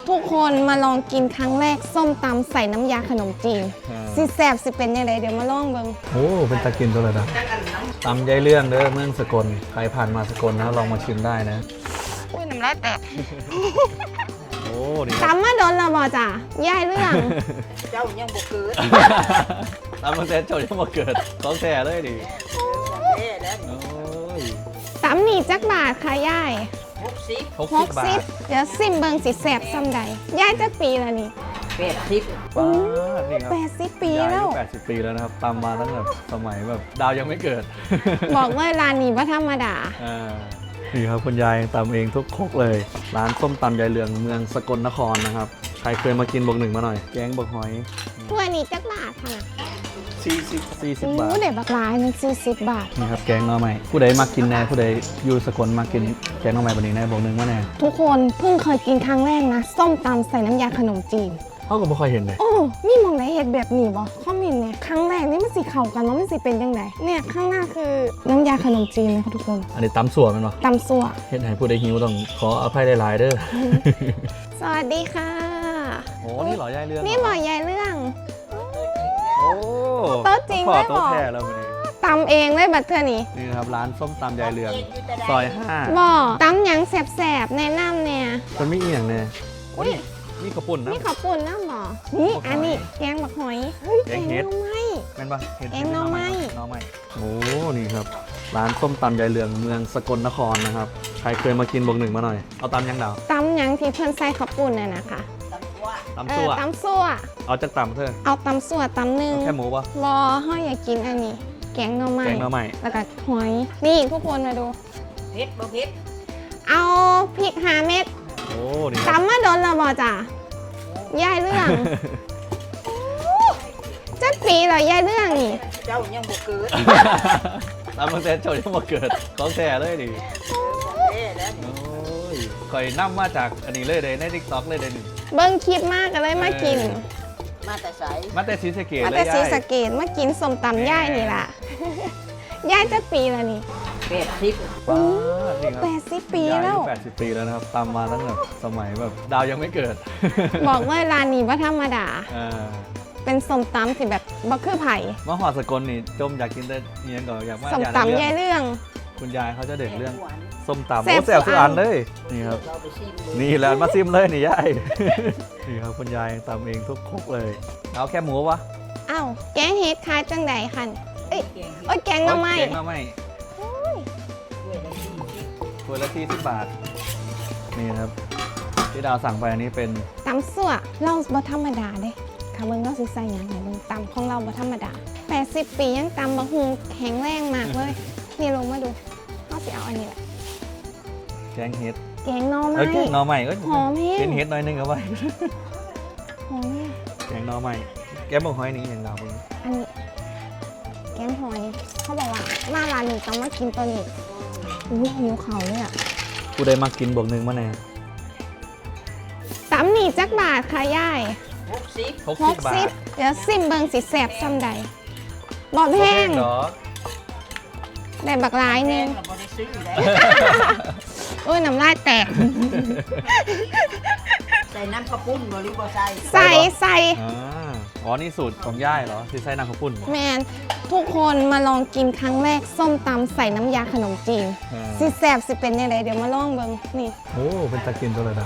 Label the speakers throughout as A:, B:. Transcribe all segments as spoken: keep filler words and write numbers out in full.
A: ทุกคนมาลองกินครั้งแรกส้มตำใส่น้ำยาขนมจีนสิแซ่บสิเป็นยังไงเดี๋ยวมาลองเบิ่ง
B: โอ้เป็นตะกินตัวเลยนะตำยายเรื่องเด้อเมืองสกลใครผ่านมาสกลนะลองมาชิมได้นะ
A: อุ้ยน้ำลายแตก
B: โอ้ดี
A: ตำมาโดนและบ่จ้ะย่ายเรื่อง
C: เจ้ายังบ่เกิด
B: ตำมาเซนโจยังมาเกิดต้องแท้เลยดิ
C: แม่แล้ว
B: โอ้ย
A: ตำหนีจักบาทค่ะย่าย
C: หกสิบ
B: หก
A: ห
B: สิบ
A: ก
B: บา
A: สิบ
B: ท
A: เดี๋ยวซิมเบิ่งสิแซ่บซ้ำใดย่ายจักปีแล้วนี่
C: แปดสิบ
B: ป้าดนี่ครับ
A: แปดสิบปี
B: ยาย
A: แล้ว
B: อายุแปดสิบปีแล้วนะครับตำมาตั้งแต่สมัยแบบดาวยังไม่เกิด
A: บอกเลยร้านนี้ว่าธรรมดา
B: อ่านี่ครับคุณยายตำเองทุกครกเลย ร้านส้มตำยายเรืองเมืองสกลนครนะครับใครเคยมากินบอกหนึ่งมาหน่อยแกงบอกหอย
A: ถ้วยนี้จักบาทค่ะนะ
B: สี่สิบสี่สิบ
A: โอ้
B: บาท
A: เด็ดบักหลายมันสี่สิบบาท
B: นี่ครับแกงหน่อไม้ผู้ใดมากินแน่ผู้ใดอยู่สกลมากินแกงหน่อไม้แบบนี้แน่บอกหนึ่งว่าแน่
A: ทุกคนเพิ่งเคยกินครั้งแรกนะ ส้มตำใส่น้ำยาขนมจีน
B: เขาก็ไม่ค่อยเห็นเลย
A: โอ้มีมองไหนเห็ดแบบนี้บ่ข้อมินเนี่ยครั้งแรกนี่มันสีเข่ากันเนาะมันสีเป็นยังไงเนี่ยข้างหน้าคือน้ำยาขนมจีนนะคะทุกคน
B: อันนี้ตำสัวมันปะ
A: ตำซั่ว
B: เห็นให้ผู้ใดหิวต้องขออภัยหลายๆเด้อ
A: สวัสดีค่ะ
B: โอ้นี่เหรอยายเรื่อง
A: นี่บอกยายเรื่อง
B: โอ้
A: โต๊ะจริง
B: ขอ
A: ได้
B: โต๊ะ
A: บอก
B: แท้แล้ววันนี้
A: ตำเองเลยบัดเทื่อนี้
B: นี่นะครับร้านส้มตำยายเรืองซอยห้า
A: บ่ตำหยังแสบๆแนะนำเนี่ย
B: มันไม่เอียงเนี่ย
A: อุ๊ย
B: นี่ข้าวปุ้นนะ
A: นี่ข้าวปุ่นน้ำบ่นี่อันนี้แกงบักหอยเฮ้ย
B: แก
A: แก
B: ง
A: ง
B: เห็ด
A: หน่อไม้
B: เป็นปะเห็ด
A: แกงหน่อไม้
B: หน่อไม้โอ้นี่ครับร้านส้มตำยายเรืองเมืองสกลนครนะครับใครเคยมากินบอกหนึ่งมาหน่อยเอาตำยังดาว
A: ตำหยังที่เพิ่นใส่ข้าวปุ่นน่ะนะคะ
C: ตำตัว
B: ตำ
A: เอ
B: ซั่
A: อ
B: ว
A: ตำซั่ว
B: เอาจากตำเถอะ
A: เอาตำซั่วตำหนึ่ง
B: เอาแค่หมูปะ
A: รอห้อยอยากกินอันนี้ แกงหน่อไม้
B: แกงหน่อไม้
A: แล้วก็หอย นี่ทุกคนมาดู
C: เผ็ดบ่เผ็ด
A: เอาพริกห้าเม็ด
B: โอ้นี่ครับ
A: ตำมาโดนและบ่จ้ะยายเรื่อง จักปีเหรอยายเรื่องนี่
C: เจ้ายังบ่เกิด
B: ตำมาเซนโจยังมาเกิดของแท้เลยดิ
C: แม่แล้ว
B: โอ้ยคอยนั่มาจากอันนี้เลยเลยในทิกตอกเลยเลยนี่
A: เบิ้งคลิปมากก็เลยมากิน
C: มาแต่ไส
B: มาแต่ซีสะเกต
A: มา
B: เล
A: แต่
B: ย
A: ซี
B: ยาย
A: สะเกตมากินสมตำย่ายนี่ล่ะ ย่ายจักปีแล้วนี่
C: แปดสิบ
B: ว้านี่ครับ
A: แปดสิบปีแล้ว
B: แปดสิบปีแล้วนะครับตามมาตั้งแต่สมัยแบบดาวยังไม่เกิด
A: บอกเลยร้านนี้ว่าธรรมดา
B: อ่า
A: เป็นสมตำที่แบบบักคือไผ่
B: มาหอดสกลนี่จมอยากกินแต่เนียงก่อนอยากว่า
A: สม
B: อยาก
A: ตำ
B: เรื่
A: ย่าย
B: อง
A: เรื่อง
B: คุณยายเขาจะเด็ดเรื่อง
C: หวาน
B: ส้มตำ
A: แซ่
B: โอ้
A: บ
B: แซ่บ
A: ทุ
B: ทุ
A: ก
B: ก
A: อั
B: อั
A: น
B: นเลยนี่ครับ
C: เราไปชิมดู
B: นี่แหละมาซิมเลยนี่ยาย นี่ครับคุณยายตำเองทุกครกเลย เอาแค่หมูวะ
A: อ้าวแกงเฮ็ดขายจังใดคันเอ้ย
C: แกงเห็ด
A: โอ้ยแกงหน่อไม้
B: แกงหน่อไม้
C: ด้วยละสี่สิบ
B: ถ้วยละที่สิบบาทนี่นะครับที่ดาวสั่งไปอันนี้เป็น
A: ตำสั่วเราบ่ธรรมดาเด้ค่ะเบิ่งเราสิใส่หยังให้เบิ่งตำของเราบ่ธรรมดาแปดสิบปียังตำบักฮุงแข็งแรงมากเลยนี่ลงมาดูเฮาสิเอาอันนี้แหละ
B: แกงเห็ด
A: แกงหน่อ
B: เอ
A: ไม้
B: อแกงหน่อไม้ก็
A: หอมแห้ง
B: เป็นเห็ดหน่อยนึงเอาไว้
A: หอมแห้ง
B: แกงหน่อไม้แกงบอกหอยนี่อย่างดาวเพิ่ง
A: อันนี้แกงหอยเขาบอกว่ามาร้านนี้ต้องมากินตัวนี้อุ้ยหิวเขาเลยอ่ะ
B: ผู้ใดมากินบวกหนึ่งมาแน่
A: ตำหนีจักบาทค่ะย่าย
C: หกสิบ
B: หก
A: ห
B: สิบ
A: ก
B: บา
A: สิ
B: ท
A: บเดี๋ยวซิมเบิงสิแสบซ้ำใดบอดแห้ง
B: เหรอ
A: ได้บักหลายหนึง
C: เราบ่ได้ซื้อแล้ว
A: โอ้ยน้ำลายแตก
C: ใส่น้ำข้าวปุ้นบ่หรือบ่ใส่
A: ใส่ใส่
B: อ่าอ๋อนี่สูตรของย่ายเหรอที่ใส่น้ำข้าวปุ้นเหรอ
A: แมนทุกคนมาลองกินครั้งแรกส้มตำใส่น้ำยาขนมจีน
B: อ่า
A: สิแสบสิเป็นยังไงเดี๋ยวมาลองเบิงนี่
B: โอ้เป็นตะกินตัวเลยนะ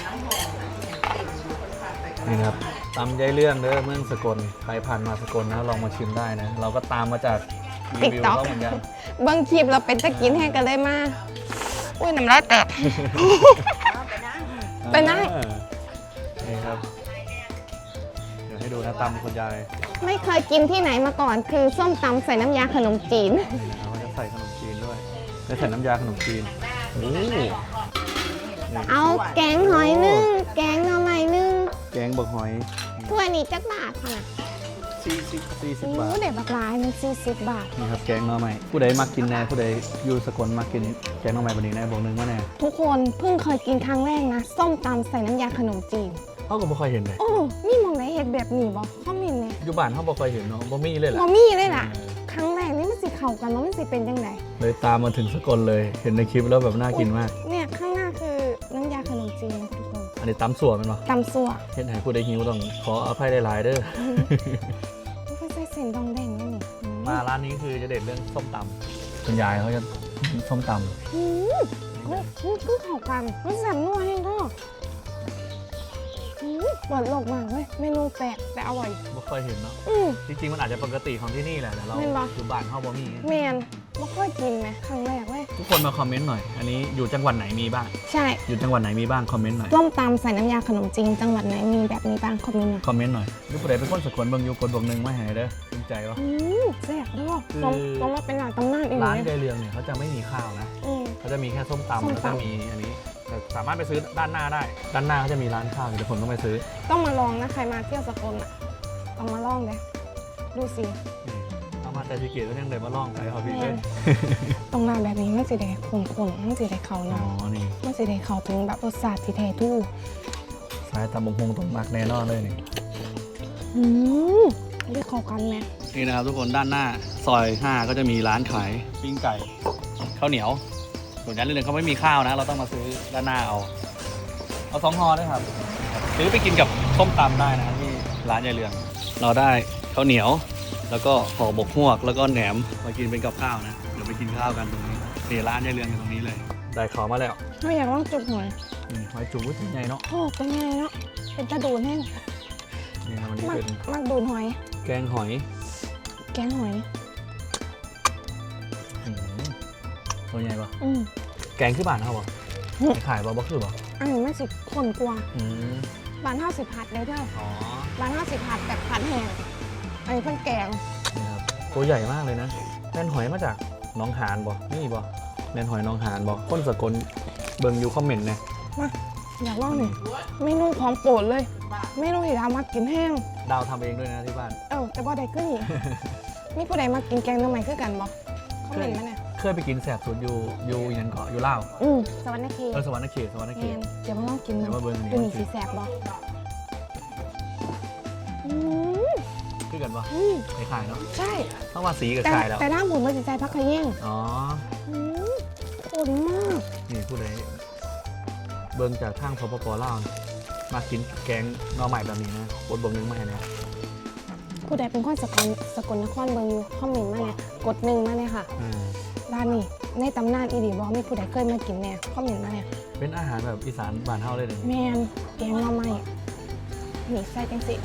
B: นี่นะครับตำยายเรื่องเด้อเมืองสกลใครผ่านมาสกลนะลองมาชิมได้นะ เราก็ตามมาจากรีวิวเขาเหมือนกัน
A: เบิงคลิปเราเป็นตะกินแห้งกันเลยมาอุ้ยน้ำลายแตก
C: เอาไปนะ
A: ไปนั่ง
B: อ่านี่ครับ เดี๋ยวให้ดูนะตำคุณยาย
A: ไม่เคยกินที่ไหนมาก่อน คือส้มตำใส่น้ำยาขนมจีน
B: นี่นะเขาจะใส่ขนมจีนด้วยได้ใส่น้ำยาขนมจีนโอ้นี่
A: เอาแกงหอยนึ่งแกงหน่อไม้นึ่ง
B: แกงบักหอย
A: ถ้วยนี้จักบาทค่ะนะ
B: สี่สิบสี่สิบ
A: โอ้
B: บาท
A: เด็ดบักหลายมันสี่สิบบาท
B: นี่ครับแกงหน่อไม้ผู้ใดมากินแน่ผู้ใดอยู่สกลมากินแกงหน่อไม้แบบนี้แน่บอกหนึงว่าแน่
A: ทุกคนเพิ่งเคยกินครั้งแรกนะ ส้มตำใส่น้ำยาขนมจีน
B: เขาก็ไม่ค่อยเห็นเลย
A: โอ้มีมองไหนเห็ดแบบนี้บ่ข้อมินเนี่ย
B: อยู่บ้านเขาบ่ค่อยเห็นเนาะบ่มีเลยแหละ
A: มอมี่เลยล่ะ ครั้งแรกนี่มันสิเข่ากันแล้วมันสิเป็นยังไง
B: เลยตามมาถึงสกลเลยเห็นในคลิปแล้วแบบน่ากินมาก
A: เนี่ยข้างหน้าคือน้ำยาขนมจีนนะทุกคน
B: อันนี้ตำสัวแมันบ่
A: ตำสัว
B: เฮ็ดให้ผู้ใดหิวต้องขออภัยหลายๆเด้อ
A: ไม่ใช่เส้นดองแดงนี่นี่อืม
B: มาร้านนี้คือจะเด็ดเรื่องส้มตำคุณยายเขาจะส้มต
A: อืมเฮ้ยนี่คือเข้ากันมันแซ่บนัวแห้งก็อืมเปิดโลกมากเว้ยเมนูแปลกแต่อร่อย
B: ำไม่ค่อยเห็นเนาะ
A: อืม
B: จริงๆมันอาจจะปกติของที่นี่แหละแต่เรา
A: แม่นบ่
B: อยู่บ้านเฮาบ่มี
A: แมนไม่ค่อยกินไหมครั้งแรกเว้ย
B: ทุกคนมาคอมเมนต์หน่อย อันนี้อยู่จังหวัดไหนมีบ้าง
A: ใช่
B: อยู่จังหวัดไหนมีบ้างคอมเมนต์หน่อย
A: ร่มตำใส่น้ำยาขนมจีนจังหวัดไหนมีแบบนี้บ้างคอมเมนต์หน่อย
B: คอมเมนต์หน่อยหรือผู้ใดเป็นคนสกลเบิ่งอยู่กดบวกหนึ่งมาให้เด้อภูมิใจวะ
A: อืมแซ่บด้วย
B: คือ
A: ต้องต้องมาเป็นหลานตำนานอีก
B: ร้าน
A: เลย
B: ยายเรืองเนี่ยเขาจะไม่มีข้าวนะ
A: อืม
B: เขาจะมีแค่ส้มตำ
A: ส้ม
B: แล้ว
A: ตำ
B: ก็มีอันนี้แต่สามารถไปซื้อด้านหน้าได้ ด้านหน้าเขาจะมีร้านข้าวเดี๋ยวผมต้องไปซื้อ
A: ต้องมาลองนะใครมาเที่ยวสกลอ่ะต้องมาลองเลยดูสิ
B: นี่เอามาแต่พิเกตก็ยังเดินมาล่องไก่เขาพี่เลย
A: ตรงหน้าแบบนี้มันสิได้ขนๆมันสิได้เขา
B: อ๋อ
A: เนาะ
B: นี่
A: มันสิได้เขาถึงแบบรสชาติที่แท้ทู่
B: สายตำบงฮงตรงมักแน่นอนเลยนี่
A: อืมได้เข้ากันไหม
B: นี่นะครับทุกคนด้านหน้าซอยห้าก็จะมีร้านขายปิ้งไก่ข้าวเหนียวส่วนร้านเรืองเขาไม่มีข้าวนะ เราต้องมาซื้อด้านหน้าเอาเอาสองห่อด้วยครับซื้อไปกินกับส้มตำได้นะครับที่ร้านยายเรือง เราได้ข้าวเหนียว แล้วก็ห่อหมกฮวกแล้วก็แหนมมากินเป็นกับข้าวนะเดี๋ยวไปกินข้าวกันตรงนี้นี่ร้านยายเรืองอยู่ตรงนี้เลยได้ขอมาแล้ว
A: ถ้าอยากลองจุกหน่อย
B: อืมหอยจุ๊บเป็นไงเนาะ
A: โอ้เป็นไงเนาะเป็นตะดูนแห้ง
B: นี่ครับวันนี้
A: มัก
B: เป็น
A: มักดูนหอย
B: แกงหอย
A: แกงหอย
B: อืมตัวใหญ่ปะ
A: อืม
B: แกงคือบ้านเขาปะ
A: อืม
B: ขายปะบ่คือปะ
A: อันนี้มันสิข้นกว่า
B: อืม
A: บ้านห้าสิบผัดได้เด้อ
B: อ๋อ
A: บ้านห้าสิบผัดแบบผัดแห้งอันนี้เพิ่นแกง
B: นี่ครับตัวใหญ่มากเลยนะแม่นหอยมาจากหน้องหานบ่นี่บ่แม่นหอยหน้องหานบ่คนสกลเบิ่งอยู่คอมเมนต์นะ
A: มาอยากลองหนึ่งเมนูของโปรดเลยเมนูที่ทำมากินแห้ง
B: ดาวทำเองด้วยนะที่บ้าน
A: เออแต่บ่ได้ขึ้นอีกมีผู้ใดมากินแกงทำไมคือกันบ่เขาเห็นมาเนี่ย
B: เคยไปกินแสบสุดอยู่อยู่อยันเกาะอยู่ลาว
A: อืมสวรรค์เขต
B: เออสวรรค์เขตสวรรค์เข
A: แม
B: ต
A: นเดี๋ยวมาลองกิน
B: เดี๋ยว
A: เนาะ
B: มาเบิ่งอันนี้
A: ดู
B: ว่า
A: นี่
B: สิ
A: สีแสบบ่อืม
B: คือกันบ่
A: อืม
B: คล้ายๆเนาะ
A: ใช่
B: เพราะว่าสีกับ
A: แต่
B: คล้ายแล้ว
A: แต่ด้านผมมันจะใจพักขยิ่ง
B: อ๋อ
A: อืมข้นมาก
B: นี่ผู้ใดเบิ่งจากทางพปปลาวนะมากินแกงหน่อใหม่แบบนี้นะกดบวกหนึ่งมาให้นะ
A: ผู้ใดเป็นคนสกลสกลนครเบิงอยู่คอมเมนต์มาเนี่ยกดหนึ่งมาเนี่ยค่ะ
B: อ่า
A: ร้านนี้ในตำนานอีดีบอมีผู้ใดเคยมากินเนี่ยคอมเมนต์มาเนี่ย
B: เป็นอาหารแบบอีสานบ้านเฮาเลยเด้อ
A: แมนแกงหน่อไม้นี่ใส่จังสิ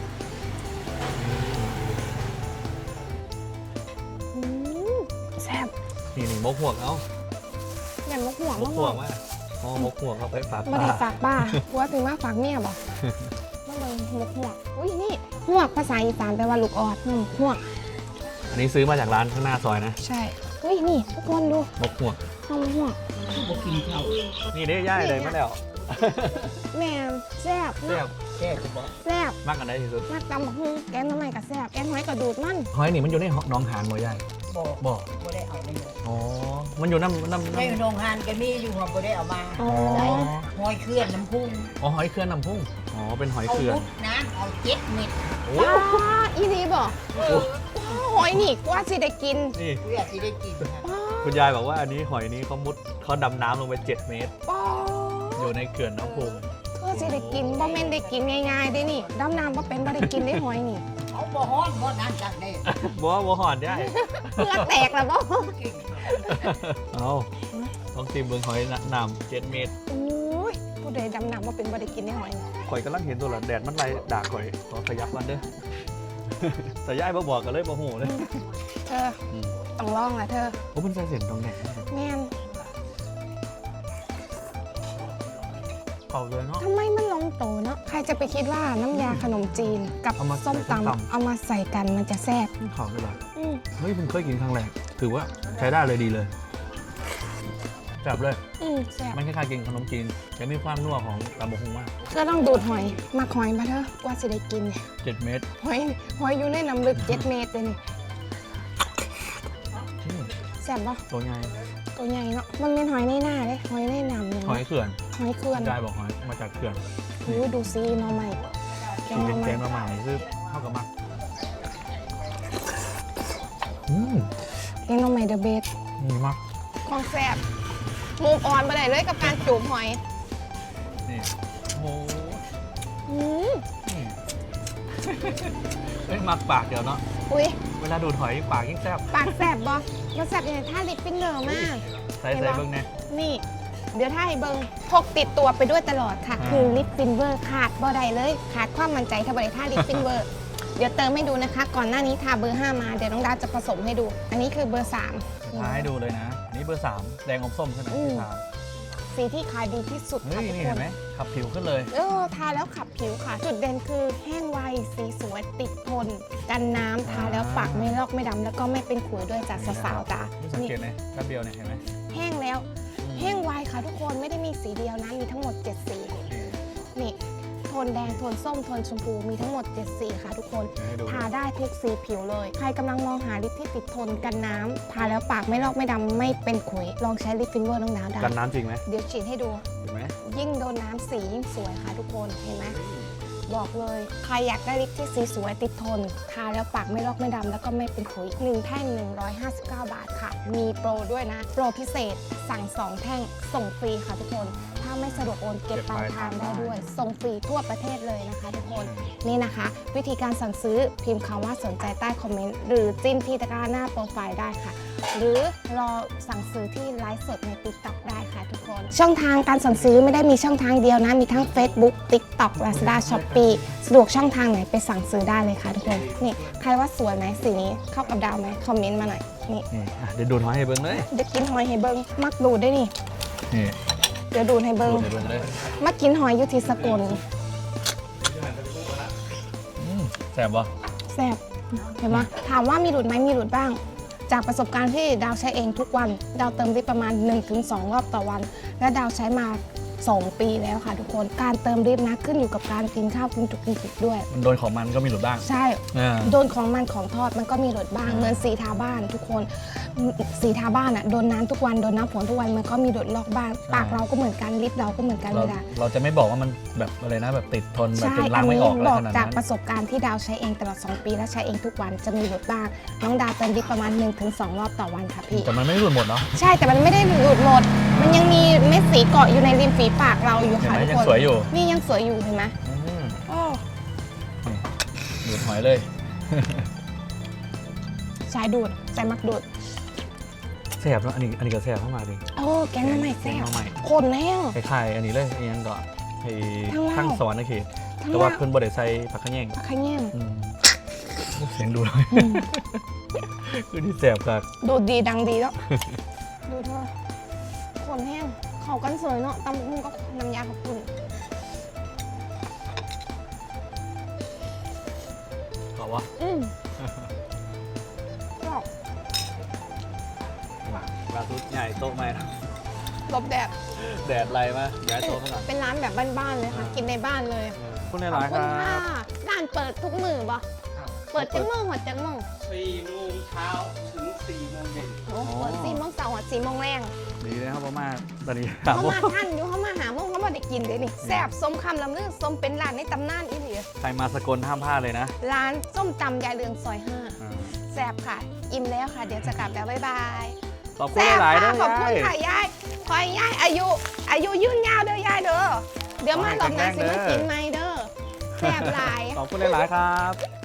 A: อืมแซ่บ
B: นี่นี่มกหวกเอ้า
A: แม่นมกหัว
B: ม
A: มาก ก
B: หวกมาอ๋อมกหวกเขาไปฝาก
A: บ่
B: ป้า
A: ได้ฝากป้าผัวถึงมาฝากเมียบ่มาเบิ่งหมกหัวกอุ้ยนี่หัวกภาษาอีสานแปลว่าลูกออดนี่หัวก
B: อันนี้ซื้อมาจากร้านข้างหน้าซอยนะ
A: ใช่อุ้ยนี่ทุกคนดู
B: มกหวก
A: หอมหัวก
B: นี่ได้ย่ายเลยมาแล้ว
A: แม่นแซ่บ
B: แซ่บ
C: แค่คุณบอก
A: แซ่บ
B: มากกันได้ที่สุด
A: มักตำบักหุ่งแกงหน้ำมันกับแซ่บแกงหอยกระดูดมัน
B: หอยนี่มันอยู่ในหน้องหานบ่ย่าย
C: บอก
B: บ่
C: บ่ได้เอาเลย
B: อ๋อมันอยู่น้ำน้ำ
C: ใน
B: น้ำ
C: โรงงานก็มีอยู่หัวบ่ได้เอามา
A: อ๋อ
C: ใส่หอยเคลื่อนน้ำพุ่ง
B: อ๋อหอยเขื่อนน้ำพุ่งอ๋อเป็นหอย
C: เอา
B: เขื่อน
C: พุดน้ำเอาเจ็ดเม็ด
B: โอ้
A: ป้าอีนีบ่หอยนี่กว่าสิได้กิน
B: นี่
C: เพื่อที่ได้กินนะ
A: ป้า
B: คุณยายบอกว่าอันนี้หอยนี้เขามุดเขาดำน้ำลงไปเจ็ดเมตร
A: ป้า
B: อยู่ในเขื่อนน้ำพุง
A: เพื่อสิได้กินบ่แม่นได้กินง่ายๆเด้นี่ดำน้ำบ่เป็นบ่ได้กินได้หอยนี่
C: เอาบ่ฮ้อนบ่นั่นจักได้
B: บ่บ่หอนได้
A: เพื่อแตกแล้วบ่
C: กิน
B: เอาต้องตีมเบืองหอยน้ำเจ็ดเมตร
A: อุ้ยผู้ใดดำน้ำบ่เป็นบ่ได้กินได้หอยนี่
B: ข่อยกำลังเห็นตัวละแดดมันไล่ด่าข่อยขอขยับกันเด้อ แต่ยายบ่บอกกันเลยบ่หูเลย
A: เธอต้องลองล่ะเธอ
B: โอ้มันใส่เสียงตรงไหน
A: แม่น
B: เป่าเลยเนาะ
A: ทำไมมันลงโตเนาะใครจะไปคิดว่าน้ำยาขนมจีนกับ
B: เอามาใส่
A: ส้ม
B: ส้มตำ
A: ตำเอามาใส่กันมันจะแซ่บ
B: เข่าเลยเหรอ
A: อืม
B: เฮ้ยเพิ่งเคยกินครั้งแรกถือว่าใช้ได้เลยดีเลยแบบเลย
A: อืมแซ่บ
B: มันคล้ายๆกินขนมจีนแต่มีความนัวของตำบกฮุงมาก
A: ก็ต้องดูดหอยมาหอยมาเถอะกว่าสิได้กินเนี่ย
B: เจ็ดเมตร
A: หอยหอยอยู่ในน้ำลึกเจ็ดเมตรเลยนี่
B: อืม
A: แซ่บปะ
B: ตัวใหญ่
A: ตัวใหญ่เนาะมันเป็นหอยในหน้าเลยหอยในน้ำเนี่ย
B: หอยเขื่อน
A: หอยเขื่อน
B: ยายบอกหอยมาจากเขื่อน
A: โอ้ยดูซีหน่อใหม่แก
B: กิ
A: ง
B: น
A: หน่
B: เป็
A: อน ไม้
B: แกงมาใหม่คือเท่ากับมักอืม
A: แกงหน่อไม้เดอะเบส
B: นี่มัก
A: ของแซ่บมูฟออนไปไหนเลยกับการจูบหอย
B: นี่โอ้โหเอ้ยมักปากเดี๋ยวเนาะ
A: อุ้ย
B: เวลาดูดหอยปากยิ่งแซ่บ
A: ปากแสบบอมาแสบอย่างท่าลิปปิ้งเนอร์มาก
B: ใส่ใส่เบิ้งเนี่ย
A: นี่ เดี๋ยวถ้าให้เบิงพกติดตัวไปด้วยตลอดค่ะ
B: อ่า
A: คือลิปฟินเวอร์ขาดบ่ได้เลย ขาดความมั่นใจถ้าบริท่าลิปฟินเวอร์ เดี๋ยวเติมให้ดูนะคะ ก่อนหน้านี้ทาเบอร์ห้ามา เดี๋ยวน้องดาวจะผสมให้ดู อันนี้คือเบอร์สาม
B: ทาให้ดูเลยนะอันนี้เบอร์สามแดงอมส้มใช่ไหม
A: อืม
B: ที่ทา
A: สีที่ขายดีที่สุด
B: เฮ้
A: ค่ะ
B: ย
A: ทุก
B: นี่
A: ค
B: เห็
A: น
B: นไหมขับผิวขึ้นเลย
A: เออทาแล้วขับผิวค่ะ จุดเด่นคือแห้งไว สีสวย ติดทน กันน้ำทาแล้วปากไม่ลอกไม่ดำแล้วก็ไม่เป็นขุยด้วยจากสาวๆจ้า
B: นี่สัง
A: นี่
B: เกตไหมแป๊บเดียวเนี่ยเห็นไหม
A: แห้งแล้ว แห้งไวค่ะทุกคนไม่ได้มีสีเดียวนะ มีทั้งหมดเจ็ดสี นี่ โทนแดง โทนส้ม โทนชมพู มีทั้งหมดเจ็ดสีค่ะทุกคน
B: เดี๋ยวให้ดู
A: ทาได้ทุกสีผิวเลย ใครกำลังมองหาลิปที่ติดทนกันน้ำทาแล้วปากไม่ลอกไม่ดำไม่เป็นขุย ลองใช้ลิปฟินเวอร์น้องดาวได้
B: กันน้ำจริงไหม
A: เดี๋ยวฉีดให้ดู
B: เห็นไหม
A: ยิ่งโดนน้ำสียิ่งสวยค่ะทุกคน เห็นไหม บอกเลย ใครอยากได้ลิปที่สีสวยติดทน ทาแล้วปากไม่ลอกไม่ดำแล้วก็ไม่เป็นขุยหนึ่งแท่ง หนึ่งร้อยห้าสิบเก้า บาทค่ะ มีโปรด้วยนะ โปรพิเศษสั่งสองแท่งส่งฟรีค่ะทุกคน ถ้าไม่สะดวกโอนเก็บปลายทางได้ด้วย ส่งฟรีทั่วประเทศเลยนะคะทุกคน นี่นะคะ วิธีการสั่งซื้อพิมพ์คำว่าสนใจใต้คอมเมนต์ หรือจิ้มที่ตะกร้าหน้าโปรไฟล์ได้ค่ะ หรือรอสั่งซื้อที่ไลฟ์สดใน ติ๊กต็อก ได้ค่ะทุกคน ช่องทางการสั่งซื้อไม่ได้มีช่องทางเดียวนะ มีทั้ง Facebook TikTok Lazada Shopee สะดวกช่องทางไหนไปสั่งซื้อได้เลยค่ะทุกคน นี่ ใครว่าสวยไหมสีนี้เข้ากับดาวไหมคอมเมนต์มาหน่อย นี่
B: นี่อ่ะเดี๋ยวดูดหอยให้เบิ้งเลย
A: เดี๋ยวกินหอยให้เบิงมักดูดได้วยนี่
B: นี่
A: เดี๋ยวดูดให้เบิ
B: ดู
A: ง
B: ดให้เบิ้งเลย
A: มักกินหอยอยู่ที่สกล
B: อืมแสบปะ
A: แซ่บเห็นไหมถามว่ามีหลุดไหมมีหลุดบ้าง จากประสบการณ์ที่ดาวใช้เองทุกวัน ดาวเติมลิปประมาณ หนึ่งถึงสอง รอบต่อวัน และดาวใช้มา สอง ปีแล้วค่ะทุกคน การเติมลิปนะขึ้นอยู่กับการกินข้าวกินจุกกินจุกด้วย
B: มันโดนของมันก็มีหลุดบ้าง
A: ใช่
B: อ่า
A: โดนของมันของทอดมันก็มีหลุดบ้างเหมือนสีทาบ้านทุกคนสีทาบ้านอ่ะโดนน้ำทุกวันโดนน้ำฝนทุกวันมันก็มีหลุดลอกบ้าง ปากเราก็เหมือนกันลิปเราก็เหมือนกัน
B: เรา
A: เลยนะ
B: เราจะไม่บอกว่ามันแบบอะไรนะแบบติดทนแบบ
A: ใช่
B: จนล้างไม่ออกอะไร
A: บอก
B: ขนาด
A: จาก
B: นั้น
A: ประสบการณ์ที่ดาวใช้เองตลอด สอง ปีและใช้เองทุกวันจะมีหลุดบ้าง น้องดาวเติมลิปประมาณ หนึ่งถึงสอง รอบต่อวันค่ะพี่
B: แต่มันไม่หลุดหมดเนาะ
A: ใช่แต่มันไม่ได้หลุดหมด มันยังมีเม็ดสีเกาะอยู่ในริมฝีปากเราอยู่
B: เห็น
A: ค่ะ
B: ไหม
A: ทุก
B: ยัง
A: คน
B: สวยอยู่
A: นี่ยังสวยอยู่เห็นไหม
B: อืม
A: โอ้
B: นี่ดูดหอยเลย
A: ใช้ดูดใส่มักดูด
B: แซ่บเนาะอันนี้อันนี้ก็แซ่บเข้ามาดิ
A: โอ้แกงน้ำใหม่แซ่
B: แกง
A: บ
B: หน่อไม้
A: คนแห้ง
B: คล้ายๆอันนี้เลยอันนี้ก็ไอ้
A: ทั้งเหล้า
B: ทั้งสวรรค์นะเขต
A: ทั้ง
B: แต่ว่า
A: เหล้า
B: เพิ่นบ่ได้ใส่ผักขะแยง
A: ขยี้
B: อืมเสียงดูเลย
A: อืม
B: คือที่แซ่บครับ
A: ดูดดีดังดีแล้ว ดูเธอคนแห้งเขากันสวยเนาะตำบักหุ่งก็น้ำยาขับคุณ
B: บอกว่า
A: อืมกรอบ
B: ปลาทุดใหญ่โต๊ะไม่นะ
A: หลบแดด
B: แดดไรมาย้ายโต๊ะมาก่อน
A: เป็นร้านแบบบ้านๆเลยค่ะ กินในบ้านเลย
B: คุณใน
A: ขอบ
B: ร้านค
A: คุณ
B: รั
A: ค่ะ
B: บ
A: ร้านเปิดทุกมือปะเปิดจังโมงหัวจังโมง
D: สี่โมงเช้าถึงสี่โมงเย็น
A: โอ้เปิดสี่โมงเสาร์หัวสี่โมงแรง
B: ดีเลยครับพ่อมาตอนนี้ถาม
A: เขา
B: ว่า
A: มาท่านอยู่เขามาหาโมงเขามาได้กินเลยนี่แซ่บส้มคำลำลือส้มเป็นร้านในตำนานอีหลี
B: ใครมาสกลห้ามพลาดเลยนะ
A: ร้านส้มตำยายเรืองซอยห้า
B: อ่า
A: แซ่บค่ะ อิ่มแล้วค่ะ เดี๋ยวจะกลับแล้วบ๊ายบาย
B: ขอบคุณ
A: แซ่บ
B: หลายๆ
A: ค่ะ
B: ด้วย
A: ขอบคุณ
B: ยาย
A: ค่ะยายคอยยายอายุ อายุยืนยาวเด้อยายเด้อเดี๋ยวมาหลอกนางสิมากินไหมเด้อแซ่บหลาย
B: ขอบคุณหลายๆครับ